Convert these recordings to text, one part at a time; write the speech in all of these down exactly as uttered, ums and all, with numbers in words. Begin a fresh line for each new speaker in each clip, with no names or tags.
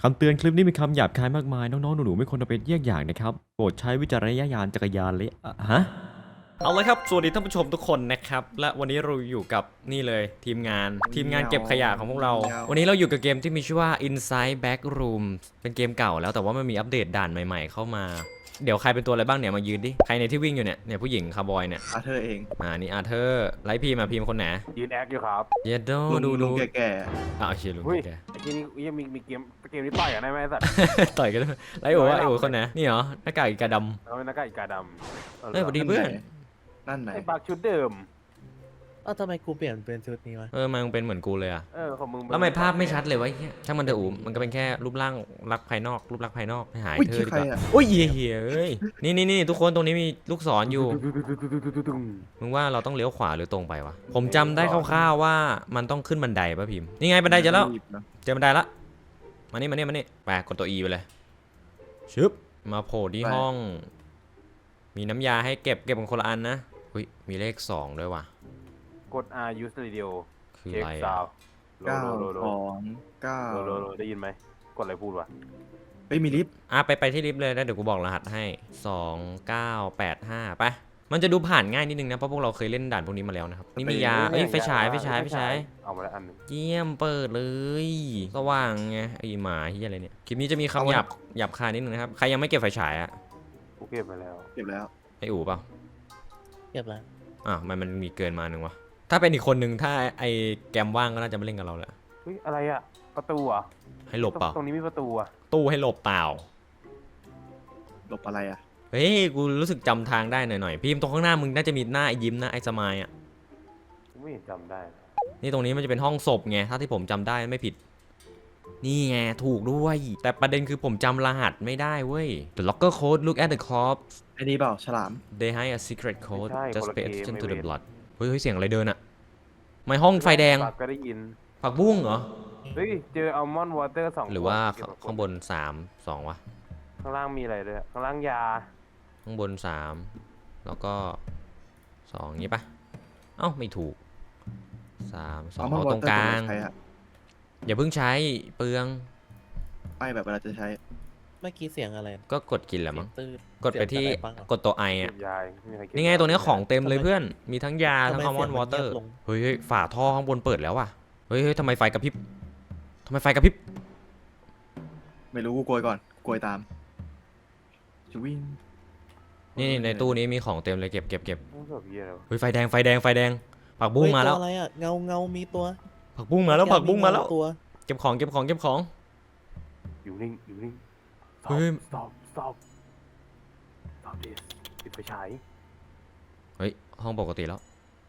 คำเตือนคลิปนี้มีคำหยาบคายมากมายน้องๆหนูๆไม่ควรเอาเป็นเยี่ยงอย่างนะครับโปรดใช้วิจารณญาณจักรยานเลยอะฮะเอาเลยครับสวัสดีท่านผู้ชมทุกคนนะครับและวันนี้เราอยู่กับนี่เลยทีมงานทีมงานเก็บขยะของพวกเราวันนี้เราอยู่กับเกมที่มีชื่อว่า Inside Backroom เป็นเกมเก่าแล้วแต่ว่ามันมีอัปเดตด่านใหม่ๆเข้ามาเดี๋ยวใครเป็นตัวอะไรบ้างเนี่ยมายืนดิใครในที่วิ่งอยู่เนี่ยเนี่ยผู้หญิงคาร์บอยเนี่ย
อาเธอร์เอง
อ่านี่อาเธอร์ไลฟ์พีมาพีมคนไหน
ยืนแอคอยู่ครับ
เยดโด
ลุง
ดู
ลุ
ดู
งแก่
อ่าเชียร์ลุง
เฮ้ย
แก
ไอ้ที่นี่ยังมีมีเกมเกมนี้ต่อยกันได้ไหมไอ้สัตว์
ต่อยกันด้วยไลฟ์โอ้ไอโอ้คนไหนนี่เหรอหน้ากากอีกาดำ
เราเป็นนักกาอีกาดำ
เฮ้ยสวัส
ๆ
ดี เพื่อน
นั่นไหน
ไอ้บักชุดเดิม
เอ้าทำไมกูเปลี่ยนเป็นชุดนี้วะ
เออมันเป็นเหมือนกูเลยอะ
เออของมึง
แล้วทำไมภาพไม่ชัดเลยวะไอ้เหี้ยช่างมันเถอะอูมมันก็เป็นแค่รูปร่างลักษณ์ภายนอก รูปลักษณ์ภายนอกให้หาย
อุ้ย
เธ
ชื่
อ
อ
ดี
ใคร
กว่า
อ่ะ
โอ้ยเหี้ยเหี้ยเอ้ยนี่นี่นี่ทุกคนตรงนี้มีลูกศรอยู่มึงว่าเราต้องเลี้ยวขวาหรือตรงไปวะผมจำได้คร่าวๆว่ามันต้องขึ้นบันไดป่ะพิมพ์นี่ไงบันไดเจอแล้ว
รีบนะ
เจอบันไดละมานี่มานี่มานี่ไปกดตัว E ไปเลยชึบมาโผล่ที่ห้อง มีน้ำยาให้เก็บเก็บกันคนละอันนะอุ้ยมีเลขสองด้วยว่ะ
กด R use radio
คือ
เช็
อะ
ค
ไร
ซา
อะ
วโล
เก้า
โลโล
สองเก้า
โลโลโลได้ยินไหมกดอะไรพูดวะ
เฮ้ยมีลิฟต์
อ่ะไปไปที่ลิฟต์เลยแล้วเดี๋ยวกูบอกรหัสให้สองเก้าแปดห้าไปมันจะดูผ่านง่ายนิดนึงนะเพราะพวกเราเคยเล่นด่านพวกนี้มาแล้วนะครับนี่มียาเอ้ยไฟฉายไฟฉายไฟฉาย
เอามาแล้วอันหนึง
เยี่ยมเปิดเลยสว่างไงไอหมาที่อะไรเนี่ยคลิปนี้จะมีคำหยาบหยาบคายนิดนึงนะครับใครยังไม่เก็บไฟฉายอะ
กูเก็บไปแล้ว
เก็บแล้ว
ไออู๋เปล่า
เก็บแล้ว
อ่ะมันมันมีเกินมาหนึ่งวะถ้าเป็นอีกคนนึงถ้าไอแกมว่างก็น่าจะไม่เล่นกับเราแล้ว
เฮ้ยอะไรอะประตูอ่ะ
ให้หลบเปล่า
ตรงนี้มีประตูอ่ะ
ตู้ให้หลบเปล่า
หลบอะไรอ่ะ
เฮ้ยกูรู้สึกจำทางได้หน่อยๆพิมพ์ตรงข้างหน้ามึงน่าจะมีหน้าไอยิ้มนะไอสมายอ่ะ
กูไม่เห็นจำได้เลย
นี่ตรงนี้มันจะเป็นห้องศพไงถ้าที่ผมจำได้ไม่ผิด นี่ไงถูกด้วย แต่ประเด็นคือผมจำรหัสไม่ได้เว้ย The locker code look at the corpse
ไอ้นี่เปล่าฉลาม
they hide a secret code
ไม่ใช่
just
คนละ
pay
เกม
attention
ไม่
to the
เว้น
blood เฮ้ยเฮ้ยเสียงอะไรเดินอะไม่ห้องไฟแดง
ปากก็ได้ยิน
ผักบุ้งเหรอ
เฮ้ยเจออัลมอนด์วอเตอร์สอง
หรือว่า
ขวด
ข้างบนสามสองวะ
ข้างล่างมีอะไรด้วยข้างล่างยา
ข้างบนสามแล้วก็สองงี้ปะเอ้าไม่ถูกสามสอง
เอามา
เอาตรงกลาง
ใช้อะ
อย่าเพิ่งใช้เปลือง
ไม่แบบเวลาจะใช้
เมื่อกี้เสียงอะไร
ก็กดกินแหละมั้ง
ตื้น
กดไปที่
เสียงอะไรบ้างอะ
กดตัวไอ
เก็
อะ
บยาไม่มีใครเก็บ
นี่ไงตัวนี้ของเต็มเลยเพื่อน มีทั้งยาทั้ง
ทำ
อัล
ไม
มอนด์วอเตอร์
เสียงมันเงียบลง
เฮ้ยเฮ้ยฝาท่อข้างบนเปิดแล้วว่ะ เฮ้ยเฮ้ยทำไมไฟกระพริบทำไมไฟกระพริบ
ไม่รู้กูโกยก่อนโกยตามจะวิ่ง
นี่ในตู้นี้มีของเต็มเลยเก็บเก็บเก็บ
ต้องสอบเยี่ยแล้ว
เฮ้ยไฟแดงไฟแดงไฟแดง ผักบุ้ง
เฮ้ย
มาแล้ว
ตัวอะไรอ่ะเงาเงามีตัว
ผักบุ้งมาแล้วผักบุ้งมาแล้ว
ตัว
เก็บของเก็บของเก็บของ
อยู่นิ่งอยู่นิ่ง
เฮ้ย
สอบสอบสอบดิปิดไฟฉาย
เฮ้ยห้องปกติแล้ว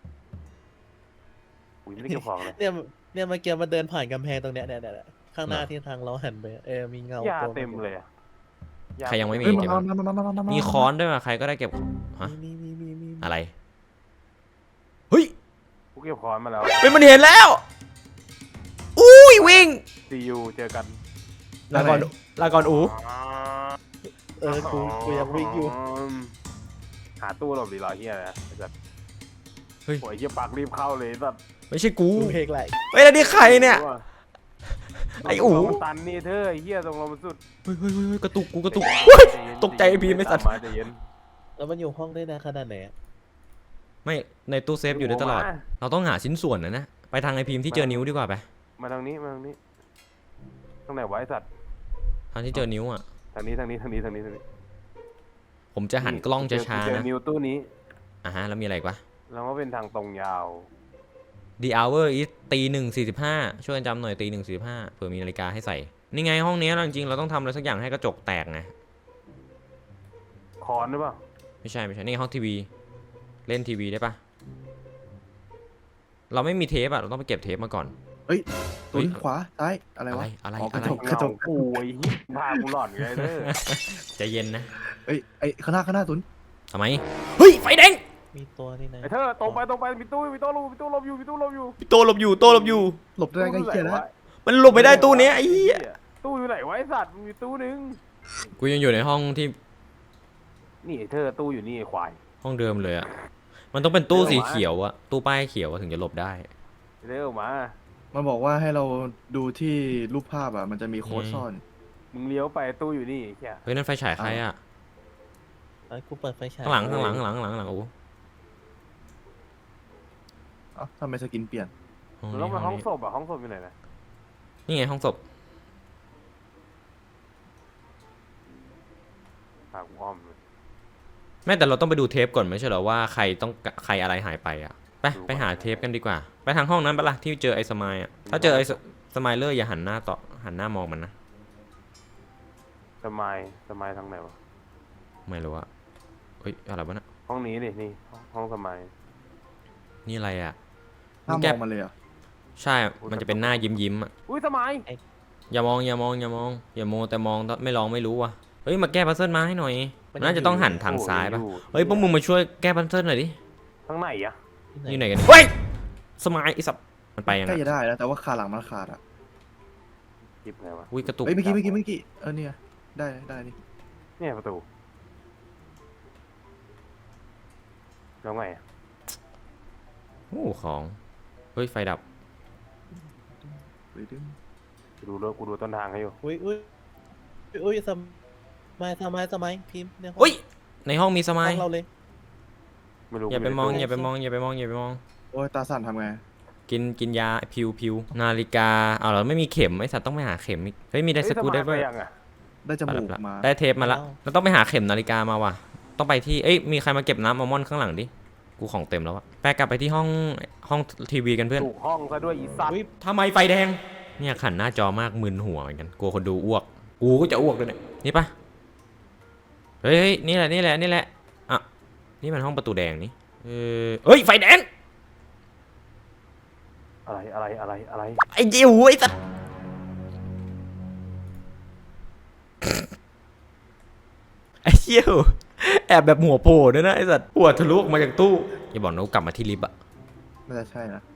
อุ้ยไม่ได้เก็บของเลย
เนี่ยเนี่ยเมื่อกี้มันเดินผ่านกำแพงตรงเนี้ยเนี่ยเนี่ยเนี่ยข้างหน้า
เหรอ
ที่ทางเราหันไปเออมีเงาย
า
ตัว
เต็มเลยอะ
ใครยังไม่มี
เฮ้ย
เก็บ
มา
บ้าง
มามามามามา
มี
มี
ค้อนด้วยว่ะใครก็ได้เก็บฮะ
มีมีมีมีมี
อะไร เฮ้ย
กูเก็บของมาแล้ว
เป็นมันเห็นแล้ว อุ้ยวิ่ง
ซียูเจอกัน
ลาก่อนลาก่อนอู
เออกูกูยังวิ่งอยู่
หาตู้หลบดีรอเฮียนะไอ้สัส
เฮ้ย
โอ้ยเฮียปากรีบเข้าเลยสัส
ไม่ใช่กู
กูเพลงไหล
เฮ้ยแล้วนี่ใครเนี่ย ไอ้อู๋
ตรงเรามันตันนี่เธอไอ้เฮียตรงเรามันสุด
เฮ้ยเฮ้ยเฮ้ยกระตุกกูกระตุกเฮ้ย ตกใจไอ้พีไม่สัตว์
ใจเย็น
แล้วมันอยู่ห้องได้นานขนาดไหนอะ
ไม่ในตู้เซฟอยู่ได้ตลอด
มา
เราต้องหาชิ้นส่วนนะนะ ไปทางไอพิมพ์ที่เจอนิ้วดีกว่าไป
มาทางนี้มาทางนี้ตรงไหนวะไอ้สัตว์
ทางที่เจอนิ้วอ่ะ
ทางนี้ทางนี้ทางนี้ทางนี้ทางนี้
ผมจะหันกล้องช้า
เจอ
ๆนะ
นิวตู้นี้
อ่ะฮะแล้วมีอะไรอีกวะ
แล้วก็เป็นทางตรงยาว
The hour is ตีหนึ่งสี่สิบห้าช่วยกันจำหน่อยตีหนึ่งสี่สิบห้าเผื่อมีนาฬิกาให้ใส่ นี่ไงห้องนี้เราจริงๆเราต้องทำอะไรสักอย่างให้กระจกแตกไง
คอนหรือเปล่า
ไม่ใช่ไม่ใช่นี่ห้องทีวี เล่นทีวีได้ปะเราไม่มีเทปอ่ะเราต้องไปเก็บเทปมาก่อน
เฮ้ย
เฮ้
ตุ
ย
นขวาซ้ายอะไร
อะไร
วะ
อะไร
อ๋อก
อะ
ระ
ไร
จกกระจก
เงากูไอ้เหี้ยพากูหลอนไงเด้อ
ใจเย็นนะ
เอ้ยไอ้ข้างหน้าข้างหน้าตุน
ทำไมเฮ้ยไฟแดง
มีตัวนี่นะ
ไอ้เธอตรงไปตรงไปมีตู้มีตู้ลบมีตู้ลบอยู่มีตู้ลบอยู่
โตหลบอยู่โตหลบอยู่
หลบได้ไงเหี้ยแล้ว
มันหลบไม่ได้ตู้เนี้ยไอ้เหี้ย
ตู้อยู่ไหนวะไอ้สัตว์มีตู้นึง
กูยังอยู่ในห้องที่
นี่ไอ้เธอตู้อยู่นี่ไอ้ควาย
ห้องเดิมเลยอะมันต้องเป็นตู้สีเขียวอะตู้ป้ายเขียวอะถึงจะหลบได้
เร็วมา
มันบอกว่าให้เราดูที่รูปภาพอ่ะมันจะมีโค้ดซ่อน
มึงเลี้ยวไปตู้อยู่นี่แค่
เฮ้ยนั่นไฟฉายใครอ่ะ
ไอ้กูเปิดไฟฉาย
ข้างหลังข้างหลังข้างหลังข้างหลังข้างหลังโอ้
เอ้าทำไมสกินเปลี่ยน
ห้อง
มึง
นี้
ต้องไป
ห้
ห้
อ
อง ง
นี้
ศพอ่ะห้องศพอยู่ไหนนะ
นี่ไงห้องศพ
หากูอ้อมเลย
แม่แต่เราต้องไปดูเทปก่อนไม่ใช่เหรอว่าใครต้องใครอะไรหายไปอ่ะไปไปหาเทปกันดีกว่า ไปทางห้องนั้นปะล่ะที่เจอไอ้สมายอ่ะถ้าเจอไอ้สมายเลอร์อย่าหันหน้าต่อหันหน้ามองมันนะ
สมัยสมัยทางไหนวะ
ไม่รู้อะเฮ้ยอะไรวะน่ะ
ห้องนี้ดินี่ห้องห้องสมัย
นี่อะไรอ่ะ
ห้าม
แก
มองมันเลยเหรอ่ะ
ใช่มันจะเป็นหน้ายิ้มยิ้มๆอ่ะ
อุ้ยสมัย
อย่ามองอย่ามองอย่ามองอย่าโมแต่มองไม่ลองไม่รู้ว่ะเฮ้ยมาแก้พัซเซิลมาให้หน่อยน่าจะต้องหันทางซ้ายปะเฮ้ยพวกมึงมาช่วยแก้พัซเซิลหน่อยดิ
ทางไหนอ่ะ
อยู่ไหนกันเฮ้ยสมายไอ้สับมันไปยัง
ใกล้
ไง
จะได้แล้วแต่ว่าขาหลังมันขาดอ่ะ
หยิบไงวะ
อุ้ยกระตุก
เฮ้ยเมื่อกี้เมื่อกี้เมื่อกี้เออเนี่ยได้ได้นี่
เนี่ยประตูแล้วไงอะ
โอ้ของเฮ้ยไฟดับ
เฮ้ยดึง
กูดูรถกูดูต้นทางให้อยู่
อุ้ยอุ้ยอุ้ยสมัยสมัยสมัยพิมพ์ในห้อง
อุ้ยในห้องมีสมาย
ห้องเราเลย
ไม่รู้
อย่าไปมอง
ในตู้
อย่าไปมองอย่าไปมองอย่าไปมอง
โอ้ยตาสั่นทำไง
กินกินยาพิวพิวนาฬิกาเอาเราไม่มีเข็มไอ้สัตว์ต้องไปหาเข็มอีกเฮ้ยมีได้สกูได้
เฮ้ยสมัย
เว้ย
ไปยังอ่ะ
ได้จมูกมา
ได้เทปมาละเราต้องไปหาเข็มนาฬิกามาว่ะต้องไปที่เอ้ยมีใครมาเก็บน้ำอัลมอนด์ข้างหลังดิกูของเต็มแล้วอะแปกลับไปที่ห้องห้องทีวีกันเพื่อน
ถูกห้องซะด้วยอีสัตว์
อุ้ย
ทำไมไฟแดงเนี่ยขันหน้าจอมากมึนหัวเหมือนกันกลัวคนดูอ้วกกูก็จะอ้วกด้วยเนี่ยนี่ปะเฮ้ยเฮ้ยนี่แหละนี่แหละนี่แหละอ่ะนี่มันห้องประตูแดงนี่เออเฮ้ยไฟแดง
อะไรอะไรอะไรอะไร
ไอ้จิ๋วไอ้สัสไอ้เหี้ยวแอบแบบหัวโผล่ด้วยนะไอ้สัสหัวทะลุออกมาจากตู้อย่าบอกนะกูกลับมาที่ลิฟต์อะ
น่าจะใช่นะ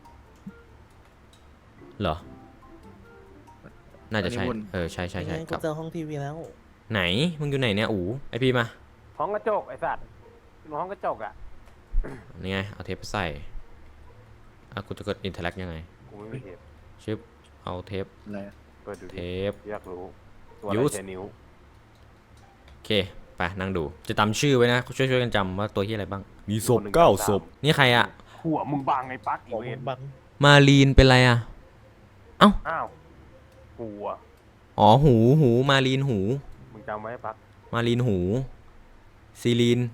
เหรอน่าจะใช่
อันนี้วน
เออใช่ใช่ใช่
ยังไง
ก
กู
ลับ
เจอห้องทีวีแล้ว
ไหนมึงอยู่ไหนเนี่ยอูไอพีมา
ห้องกระจกไอ้สัตว์ห้องกระจกอ่ะ
นี่ไงเอาเทปไปใส่อ่ะกูจะกดอินเทอร์แลกยังไง
กูไม่มีเทป
ชึบเอาเทป
อะไรอะ
เปิดดู
เท
ดิ
ป
อยากรู้ตัวอะไร
Use
ใช้นิ้ว
โอเคไปนั่งดูจะจำชื่อไว้นะช่วยช่วยกันจำว่าตัวที่อะไรบ้างมีศพเก้าศพนี่ใครอะ
หัวมึงบังไอ้ปักอี
ของ
เว
มัน
น
บัง
มาลีนเป็นไรอะ
อ้าวหัว
อ๋อหูหูมาลีนหู
มึงจำไว้ปัก
มาลีนหูซีลีน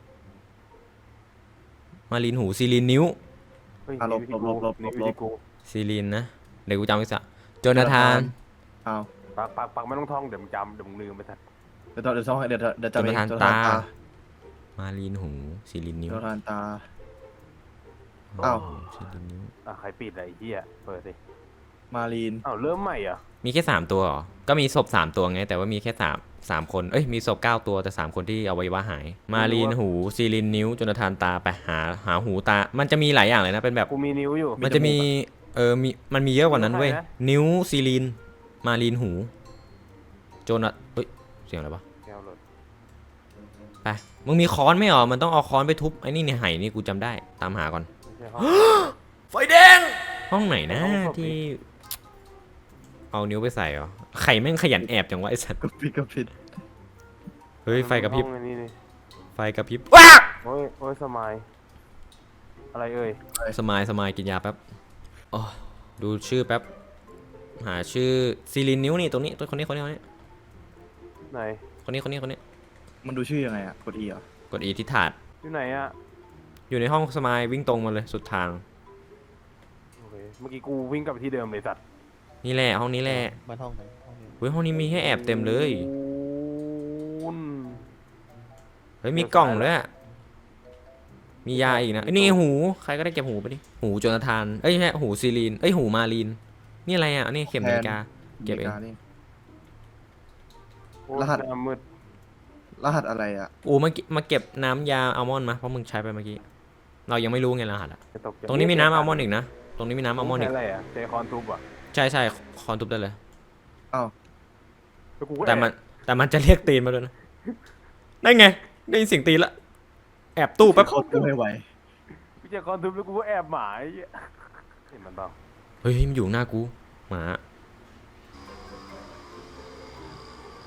มาลีนหูซีลีนนิ้ว
เฮ้ย
อ่ะลบ
นี่
ลบลบล
นี่
บ
วิ
ล
ธี
บ
กู
ซีลีนนะเดี๋ยวกูจำไว้สักโจนาธาน
เอา
ปักปักปักไม่ต้องท่องเดี๋ยวมึงจำเดี๋ยวมึงลืมไปสัตว์
เดี๋ยวต่อเดี๋ยวต้องเดี๋ยวเดี๋ยวจะไป
จนประธาน
จน
ตา มาลีนหูซีลีนนิ้ว
จนประธานตา
อ้า
อ้าว
วซีลีนนิ้ว
อ่ะใครปิดอะไรไอ้เหี้ยเปิดสิ
มาลีน
อ้าวเริ่มใหม่เหรอ่ะ
มีแค่สามตัวเหรอก็มีศพสามตัวไงแต่ว่ามีแค่สามสามคนเอ้ยมีศพเก้าตัวแต่สามคนที่เอาไว้ว่าหาย มาลีนหูซีลีนนิ้วโจนาธานตาไปหาหาหูตา มันจะมีหลายอย่างเลยนะเป็นแบบ
กูมีนิ้วอยู่
มันจะมีเออมีมันมีเยอะกว่านั้นเว้ย
ใครนะ
นิ้วซีลีนมาลีนหูโจนาเฮ้ยเสียงอะไรวะ
แก้วหลด
ไปมึงมีค้อนไหมหรอมันต้องเอาค้อนไปทุบไอ้นี่ในไหนี่กูจำได้ตามหาก่อน
ไม่ใช่ห้อง
ไฟแดงห้องไหนนะ
ห้องศพ
ที่ เอานิ้วไปใส่เหรอไข่แม่งขยันแอบจังวะไอ้สัตว์
กระพริบกระพริบ
เฮ้ยไฟกระพริบ
ห้องไอ้นี่นี่
ไฟกระพริบว้า
โอ้ยโอ้ยสมัยอะไรเอ่ย
สมายสมายกินยาแป๊บอ๋อดูชื่อแป๊บหาชื่อซีลินนิ้วนี่ตรงนี้ตัวคนนี้คนนี้คนนี้
ไหน
คนนี้คนนี้คนนี้
มันดูชื่อยังไงอ่ะกดอีเหรอก
ดอีที่ถาด
อยู่ไหนอ่ะ
อยู่ในห้องสมายวิ่งตรงมาเลยสุดทาง
โอเคเมื่อกี้กูวิ่งกลับไปที่เดิมเลยสัตว์
นี่แหละห้องนี้แหละ
มันห้องไหนห้องนี้
เฮ้ยห้องนี้มีให้แอบเต็มเลย
คูณ
เฮ้ยมีกล่องด้วยอะมียาอีกนะเอ้ยนี่ไงหูใครก็ได้เก็บหูไปดิหูโจนาธานเอ้ยไม่ใช่หูซีลีนเอ้ยหูมาลีนนี่อะไรอ่ะนี่เข็มนาฬิกา เก็บเอง
นาฬิานี่
โอ้ย
รหัส
หน้ามืด
รหัสอะไรอ่ะ
อูมาเก็บมาเก็บน้ำยาอัลมอนด์มาเพราะมึงใช้ไปเมื่อกี้เรายังไม่รู้ไงรหัสอะ
จะตกใจ
ตรงนี้มีน้ำอัลมอนด์อีกนะตรงนี้มีน้ำอัลมอนด์อีก
ใช้อะไรอ่ะเจคอนทูบอ่ะ
ใช่ใช่คอนทุบได้เลย
อ้าว
แล้วกูก็
แต่มัน
อบ
แต่มันจะเรียกตีนมาด้วยนะได้ไงได้ยินเสียงตีนละแอบตู้แป๊บ
เขาตู้ไม่ไหว
กูเจคอนทูบแล้วกูก็แอบหมายเห็นมันเปล่า
เฮ้ยมันอยู่หน้ากูหมา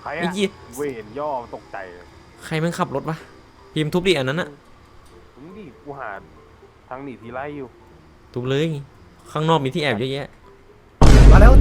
ร
ไอ้
อะ
ยี่
เวนย่อตกใจเลย
ใครมันขับรถวะพิมพ์ทุบดิอันนั้นอะ
มึงดิกูหาทางหนีทีไล่อยู่
ทุบเลย ข้างนอกมีที่แอบเยอะแยะ
มาแล้ว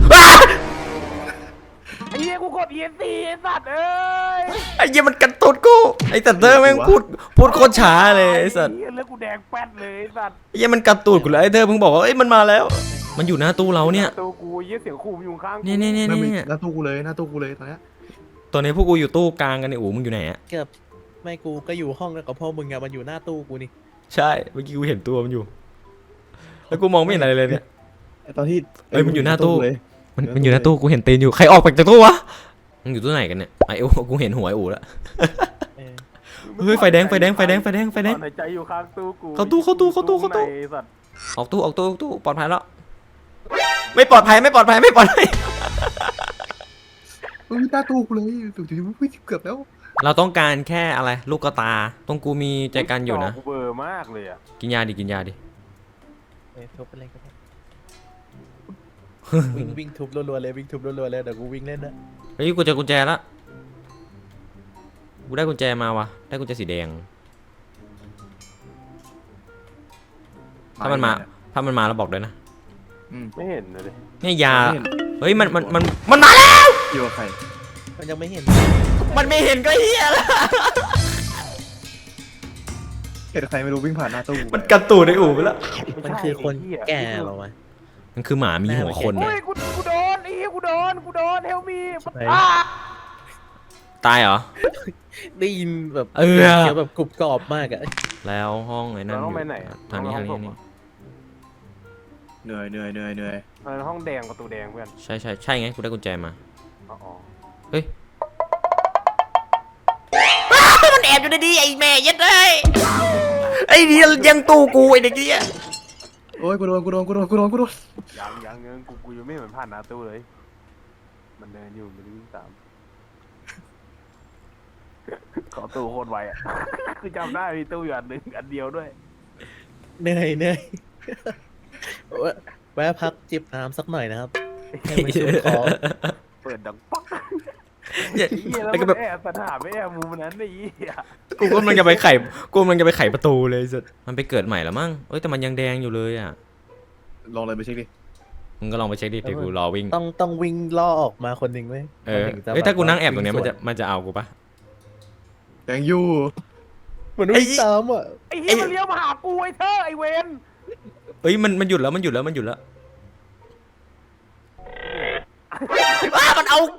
ไอ้เหี้ยกูกด อี เอ็น ซี ไอ้สัตว์เอ้ย
ไอ้เหี้ยมันกันตุดกูไอ้สัตว์เธอแม่งพูดพูดโคตรช้าเลยไอ้สัตว์
เหี้ยแล้วกูแดงแป๊ดเลยไอ้สัตว์
ไอ้เหี้ยมันกันตูดกูแล้วไอ้เธอเพิ่งบอกว่าเอ้ยมันมาแล้ว มันอยู่หน้าตู้เราเนี่ย
ตัวกูไอ้เหี้ยเสียงขู่มันอยู่ข้างกู
เนี่ยเนี่ยเนี่ย
ไม่มี
เนี่ย
หน้าตู้กูเลยหน้าตู้กูเลยตอนเนี้ย
ตอนนี้พวกกูอยู่ตู้กลางกันเนี่ยโอ้มึงอยู่ไหนอะ
เกือบไม่กูก็อยู่ห้องกับพ่อมึงอะมันอยู่หน้าตู้กูนี่
ใช่เมื่อกี้กูเห็นตัวมันอยู่ แล้วกูมองไม่เห็นอะไรเลยเนี่ย
ไอ้ตอนที่
เอ้ยมันอยู่หน้าตู้
เลย
มันมันอยู่หน้าตู้กูเห็นตีนอยู่ใครออกไปจากตู้วะมึงอยู่ตู้ไหนกันเนี่ยไอ้โอ้กูเห็นหัวไอ้อูแล้ว
เออ
เฮ้ยไฟแดงไฟแดงไฟแดงไฟแดงไฟแดง
ตอนหายใจอยู่ข้างตู้กู
เข้าตู้เข้าตู้เข้าตู้เข้าตู้
ในไอ้สัตว์
ออกตู้ออกตู้ออกตู้ปลอดภัยแล้ว ไม่ปลอดภัยไม่ปลอดภัยไม่ปลอดภัย
เฮ้ยหน้าตู้กูเลยถูกๆเกือบแล้ว
เราต้องการแค่อะไรลูกกระตาตรงกูมีใจกันอยู่นะ
จกูเบลอร์มากเลยอะ
กินยาดิกินยาดิ
เออทุบไปเลยก็ได้วิ่งวิ่งทุบรัวๆเลยวิ่งทุบรัวๆเลยเดี๋ยวกูวิ่งเล่นนะ
เฮ้ยกูเจอกุญแจละกูได้กุญแจมาวะได้กุญแจสีแดง ถ้ามันมาถ้ามันมาแล้วบอกด้วยนะ
อืม
ไม่เห็นเลย
เนี่ยยา
ไม่เห็น
เฮ้ยมันมันมันมันมาแล้ว
อยู่กับใคร
มันยังไม่เห็น
มันไม่เห็นก็เฮียละ
เห็นใครไม่รู้วิ่งผ่านหน้าตู้กู
มันกระตูดไอ้อูไปแล้ว
มันคือคนแก่เหรอวะ
มันคือหมามีหัวคน
โอ้
อะ
ยกูกูโดนไอ้เหี้ยกูโดนกูโดนเฮลมี
ไหน
ตายเหรอ
ได้ยินแบบ
เออ
เสียงแบบกรุบกรอบมากอะ
แล้วห้องไอ้นั่น
เรา
อ
ต้อง
ยู่
ไปไหนอะ
ทางนี้
เร
ทางนี้
ห้อ
ทาง
ศพ
นี้
อะ
เหนื่อยเหนื่อยเหนื่อยเหนื่อย
เออห้องแดงประตูแดงเพื่อน
ใช่ใช่ใช่ไงกูได้กุญแจมา
อ๋ออ๋อ
เฮ้ยมันแอบอยู่ในนี้ไอ้แม่ยัดเลยไอ้นี่ยังตู้กูไอ้เด็กเนี่ย
โอ้ยกูโดนกูโดนกูโดนกูโดนกูโดน
ยังยังยังกูกูยังไม่เหมือนผ่านหน้าตู้เลย มันเดินอยู่มันวิ่งตาม ขอตู้โคตรไวอ่ะ คือจำได้มีตู้อยู่อันหนึ่งอันเดียวด้วย
เหนื่อยเหนื่อยแวะแวะพักจิบน้ำสักหน่อยนะครับให้มันชุ่มคอ
เปิดดังป๊อก
เนี่ย
ไอ้เหี้ยแล้ว
แล้วก็
มั
แบบ
นแอบปัญหาไม่แอบมุมนั้นไอ้เหี้ย
กูก็มันจะไปไขกูมันจะไปไขประตูเลยสุดมันไปเกิดใหม่แล้วมั้งเอ้ยแต่มันยังแดงอยู่เลยอ่ะ
ลองเลยไปเช็คดิ
มึงก็ลองไปเช็คดิเดี๋ยวกูรอวิ่ง
ต้องต้องวิ่งล่อออกมาคนหนึ่งไหม
เออ
คนหนึ่งจะ
เอ้ยถ้ากูนั่งแอบตรงเนี้ย
วิ่
มัน
สว
จะมันจะเอากูปะ
แดงอยู่
เหมือนวิ่งตามอ่ะ
ไอ้เหี้ยมันเลี้ยวมาหากูไอ้เธอไอ้เวน
เอ้ยมันมันหยุดแล้วมันหยุดแล้วมันหยุดแล้วอ้ามันเอากู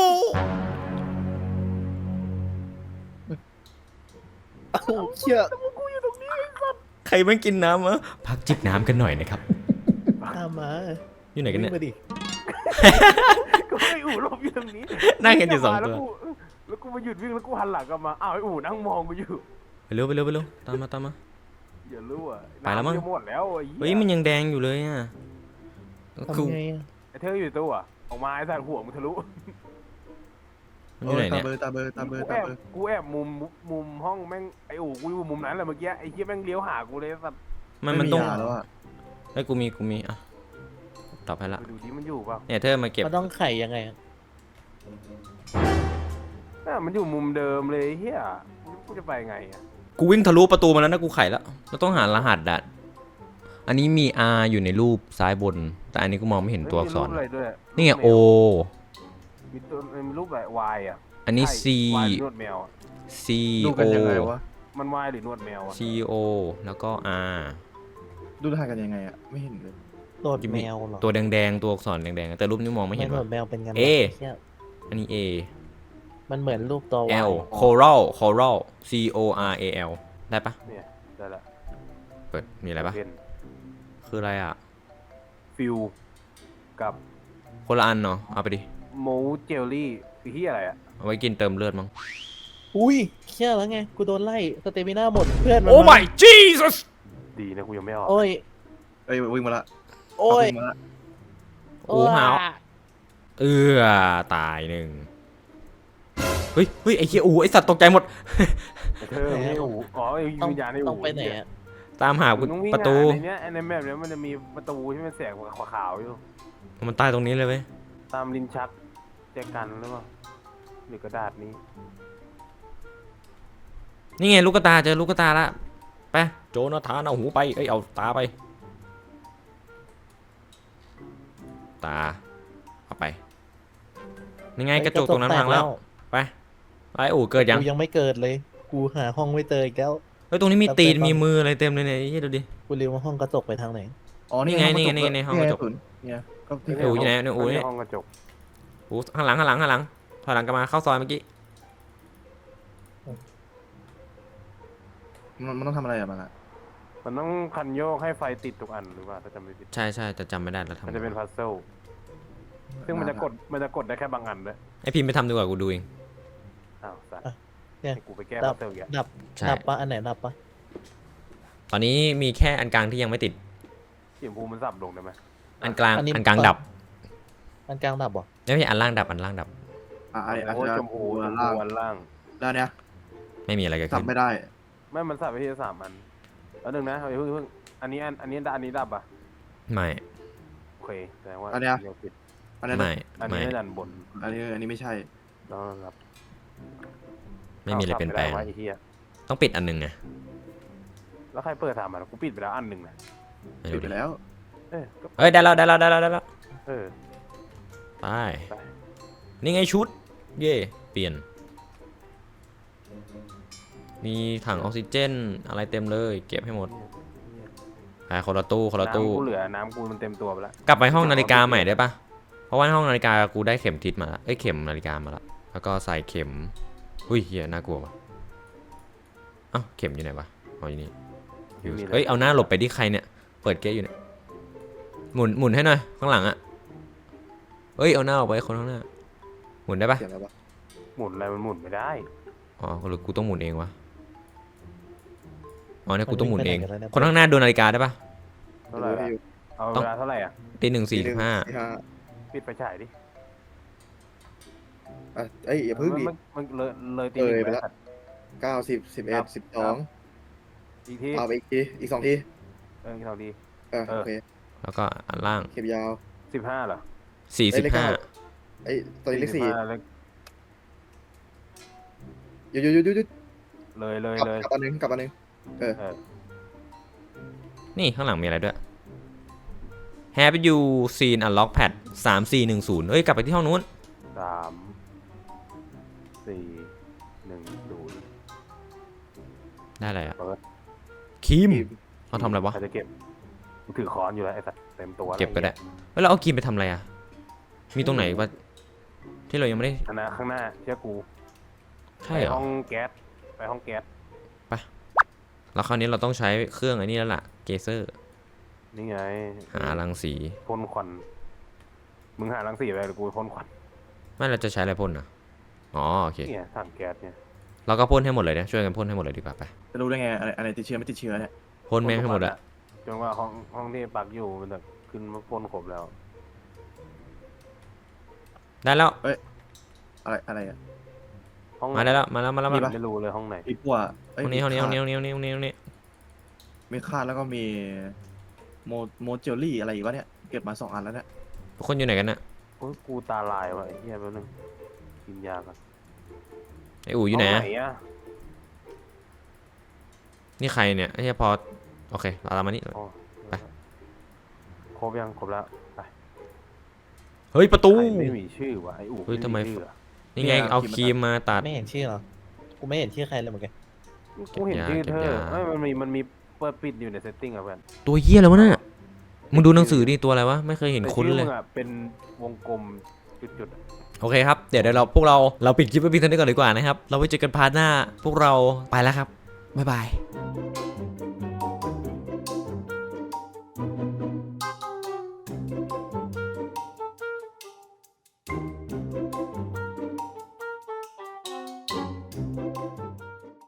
เอ้าเชี่ย
ใครแม่งกินน้ำวะพักจิบน้ำกันหน่อยนะครับ
ตามมา
อยู่ไหนกันเนี่ย
วิ่งมาดิ
ก็ไอ้อู่หลบอยู่ตรงนี้
นั่งกันอยู่สองตัว
แล้วกูแล้วกูมาหยุดวิ่งแล้วกูหันหลังกลับมาอ้าวไอ้อู่นั่งมองกูอยู่
ไปเร็วไปเร็วไปเร็วตามมาตามมา
อย่ารู้อ่ะ
ไปแล้วมั้ง
น้ำจะหมดแล้วไอ้
เฮ้ย
เหี้ย
มันยังแดงอยู่เลยอ่ะคือ
ทำไงอะ
ไอ้เธออยู่ตัวอะออกมาไอ้สัตว์หัวมึงทะลุ
มันอยู่ไหน
ตา
เนี่ย
เบอร์ตาเบอร์ตาเบอร์
กู
ตา
แอบ
เบอร์
กูแอบมุมมุมห้องแม่งไอ้อู่กูอยู่มุมนั้นแหละเมื่อกี้ไอ้เหี้ยแม่งเลี้ยวหากูเลยไอ้สัตว์
มันมันต้อง
ไยาแล้วอ่ะ
ไอ้ยกูมีกูมีอ่ะตอบให้ละ
ไปดูดิมันอยู่เปล่า
เนี่ยเธอมาเก็บ
มันต้องไขยังไงอะ
น่ามันอยู่มุมเดิมเลยไอ้เฮียกูจะไปไงอ่ะ
กูวิ่งทะลุประตูมาแล้วนะกูไขแล้วเราต้องหารหัสดัดอันนี้มี R อยู่ในรูปซ้ายบน แต่อันนี้กูมองไม่เห็นตัวอักษร
มีปอะไรด้วย
นี่ไง O
มีตัวมีรูปแบบ Y อ่ะ
อันนี้ C
ใช่ Y หรือนวดแมวอะ
C
ดู
O
กันยังไงวะ
มัน Y หรือนวดแมวอ่ะ
C O แล้วก็ R
ดูทางกันยังไงอ่ะไม่เห็นเลย
โดดแมวเหรอ
ตัวแดงๆตัวอักษรแดงๆแต่รูปนี้มองไม่เห็น
โด
ว่ะ
ดแมวเป็นไง
เอ
เชี่ย
อันนี้ A
มันเหมือนรูปตัว
L
Y
Coral Coral C O R A L ได้ปะ
เนี่ยได้ละ
เปิดมีอะไรปะ
เพน
คืออะไรอ่ะ
ฟิลกับ
คนละอันเนาะเอาไปดิ
โมเจลลี่คือที่อะไรอ่ะ
เอาไว้กินเติมเลือดมั้ง
อุ้ยเชี่ยแล้วไงกูโดนไล่สเตมิน่าหมดเพื่อนมัน
โอ้
มา
my Jesus
ดีนะกูยังไม่ออก
โอ้ย
เอ้ยวิ่งมาละ
โอ้ย
วิ่งมาละ
โอ้หาว เอื้อตายหนึ่งเฮ้ยเฮ้ยไอ้เหี้ยอูไอ้สัตว์ตกใจหมด
ไอ้เธอไม่อู๋อ๋อไอ้
ต้อง
วิญญาณไอ้
ต้อ
อู๋
งไปไหนอะ
ตามหา
มึงต้องวิ่ง
ประตู
หาในเนี้ยในแมปเนี้ยมันจะมีประตูที่มันแสงขาวๆอยู่
มันตายตรงนี้เลยเว้ย
ตามลิ้นชักแจกันหรือเปล่าหรือกระดาษนี้
นี่ไงลูกกระตาเจอลูกกระตาละไปโจนาธานเอาหูไปเอ้ยเอาตาไปตาเอาไปนี่ไงกระจกตรงนั้นพังแล้วไปไอ้อู่เกิดยัง
กูยังไม่เกิดเลย กูหาห้องไม่เจออีกแล้ว
เฮ้ยตรงนี้มีตีนมีมืออะไรเต็มเลยเนี่ยยี่ดูดิ
กูลืมว่าห้องกระจกไปทางไหน
อ๋อนี่
นี่ไงนี่ไงนี่ไงในห้องกระจก
เนี่ยก็ที่
ไอ้อู่อยู่ไหนเนี่ยอู่เนี่ย
ห้องกระจก
อู่ข้างหลังข้างหลังข้างหลังถอยหลังกลับมาเข้าซอยเมื่อกี้
มันมันต้องทำอะไรอะมันอะ
มันต้องคันโยกให้ไฟติดทุกอันหรือว่าถ้าจำไม่ผิด
ใช่ใช่แต่จำไม่ได้แล้วทำ
มันจะเป็นพัซเซิลซึ่งมันจะกดมันจะกดได้แค่บางอันด้วย
ไอพิมพ์ไปทำดีกว่ากูดูเอง
อ้าวสัตว์
อ่ะเนี่ย
ให้กูไปแก้
ดั
พั
บ
ซเซิลอย่าง
ดับ
ใช่
ดับปะอันไหนดับปะ
ตอนนี้มีแค่อันกลางที่ยังไม่ติด
เสียงภูมิมันสับลงได้ไหม
อันกลางอันกลางดับ
อันกลางดับบ่
ไม่ใช่อันล่างดับอันล่างดับ
อ่ะไอ้อาจ
โอ้ย
จะ
ชมพูช
อั
ม
น
พู
ล่าง
อันล่าง
แล้วเนี่ย
ไม่มีอะไรเกิด
สับ
ขึ้น
ไม่ได้
ไม่มันสับไปที่สามอันแล้วหนึ่งนะเฮ้ยเพิ่งเพิ่งอันนี้อันอันนี้อันนี้ดับอ่ะ
ไม่
โอเคแสดงว่า
อันเนี้ย
ดี๋วผิด
อันนี้
ไม่
อัน
ไม่
นี้ดันบน
อันนี้อันนี้ไม่ใช่
แล้วครับ
ไม่มีอะไรเปลี่ยนแปลง
อาสับไได้วะไอ้เหี้ย
ต้องปิดอันหนึ่งไง
แล้วใครเปิดสามอันกูปิดไปแล้วอันหนึ่งนะ
ไม่
ปิ
รู้
ดไป
ดิ
แล้ว
เออก็
เอ้ยได้แล้วได้แล้วได้แล้วได้แล้ว
เออ
ไป
ไป
นี่ไงชุด เย่เปลี่ยน มีถังออกซิเจนอะไรเต็มเลยเก็บให้หมดไปคนละตู้คนละตู้
น้ำกูเหลือน้ำกูมันเต็มตัวไปแล้ว
กลับไปห้องนาฬิกาใหม่ได้ปะเพราะว่าห้องนาฬิกากูได้เข็มทิศมาละเอ้ยเข็มนาฬิกามาละแล้วก็ใส่เข็มอุ้ยเฮียน่ากลัววะเอ้าเข็มอยู่ไหนวะเอาอยู่นี่อยู่เอ้ยเอาหน้าหลบไปที่ใครเนี่ยเปิดเก๊ะอยู่เนี่ยหมุนหมุนให้หน่อยข้างหลังอะเอ้ยเอาหน้าออกไปคนข้างหน้าหมุนได้ปะ
เสียงอะไรวะ
หมุนอะไรมันหมุนไม่ได้
อ๋อหรือกูต้องหมุนเองวะอ๋อเนี่ยกูต้องหมุนเอง
มันวิ่งไปไหนกันแล้วเนี่ย
คนข้างหน้าดูนาฬิกาได้ปะ
เท่าไหร่อะเอาเวลาเท่าไหร่อ่ะ
ตีหนึ่งสี่สิบห้า
สี่ห้า
ปิดไฟฉายดิ
อ่ะเอ้ยอย่าเพิ่งดิ
มันมันเลยเลยตี
เออ
หนึ่ง
ไปแล้ว
สัตว์
เก้าสิบสิบเอ็ดสิบสอง
อีกที
เอาไปอีกทีอีกสองที
เอออีกสองที
เออ
เออ
โอเค
แล้วก็อันล่าง
เข็มยาว
สิบห้าเหรอ
สี่สิบห้า
ไอ้ยตอนนี้เลขสี่
สิบห้าเลข
หยุดหยุดหยุดหยุดหยุด
เลยเลย
กลับ
เลย
กลับอันหนึงกลับอันหนึงเออ
เออ
นี่ข้างหลังมีอะไรด้วย Have you seen a lock pad สามสี่หนึ่งศูนย์เอ้ยกลับไปที่ห้องนู้น
สามสี่หนึ่งศูนย์
ได้อะไรอะ
เปิด
คิม
ทีม
เขาทำอะไรวะ
ใครจะเก็บกูถือค้อนอยู่แล้วไอ้สัตว์เต็มตัวแล้ว
เก็บไปได้เฮ้ยเราเอาคิมไปทำอะไรอะมีตรงไหนวะที่เรายังไม่ได้
อันนะข้างหน้าเชื่อกู
ใช่
ไป
เหรอ
ห้องแก๊สไปห้องแก๊ส
แล้วคราวนี้เราต้องใช้เครื่องไอ้นี่แล้วล่ะเกเซอร์
นี่ไง
หารังสี
พ่นควันมึงหารังสีไปหรือกูพ่นควัน
ไม่เราจะใช้อะไรพ่นอะอ๋อโอเค
เนี่ยถังแก๊สเนี่ย
เราก็พ่นให้หมดเลยนะช่วยกันพ่นให้หมดเลยดีกว่าไป
จะรู้ได้ไงอะไรอะไรติดเชื้อไม่ติดเชื้อเนี่ย
พ่นแม่งให้หมดอะ
จนว่าห้องห้องที่ปักอยู่มันจะขึ้นมาพ่นครบแล้ว
ได้แล้ว
อะไรอะไรอ่ะ
ห้อง
มาได้แล้วมาแล้วมาแล้ว
มี
มา
ปะ
ไม่รู้เลยห้องไหน
มีปัวเอ้ย
ห้องนี้ห้องนี้ห้อง
มี
นี้
คาด
ห้องนี้ห้องนี้ห้องนี้ห้องนี้
มีคาดแล้วก็มีโมโมเจลลี่อะไรอีกวะเนี่ยเก็บมาสองอันแล้วเนี่ย
ทุกคนอยู่ไหนกันน่ะ
โอ้ยกูตาลายว่ะไอ้เหี้ยแป๊บนึงกินยาก่อน
ไออู๋อยู่ไหน
ห้
อะ
งอะ
นี่ใครเนี่ยไอ้เหี้ยพอโอเคเราตามมานี่
อ๋อ
ไป
ครบยังครบแล้วไป
เฮ้ยประตู
ใครไม่มีชื่อวะไอ้อู๋
เฮ้ยทำไม
ชื่ออะ
นี่ไงเอาครีมมาตัด
ไม่เห็นชื่อเหรอ กูไม่เห็นชื่อใครเลยเหมือนกัน
กูเห็นชื่อเธ
เก็บ
อย
า
เอ้ยมันมีมันมีเปิดปิดอยู่ในเซตติ้งอะเพื่อน
ตัวเหี้ยอะไรวะน่ะมึงดูหนังสือดิตัวอะไรวะไม่เคยเห็น
แต่
คุ้น
ชื่อ
เล
มึ
ย
งอะเป็นวงกลมจุดๆอะ
โอเคครับเดี๋ยวเดี๋ยวเราพวกเราเราปิดคลิปไว้เพียงเท่านี้ก่อนดีกว่านะครับเราไว้เจอกันพาร์ทหน้าพวกเราไปแล้วครับบ๊ายบาย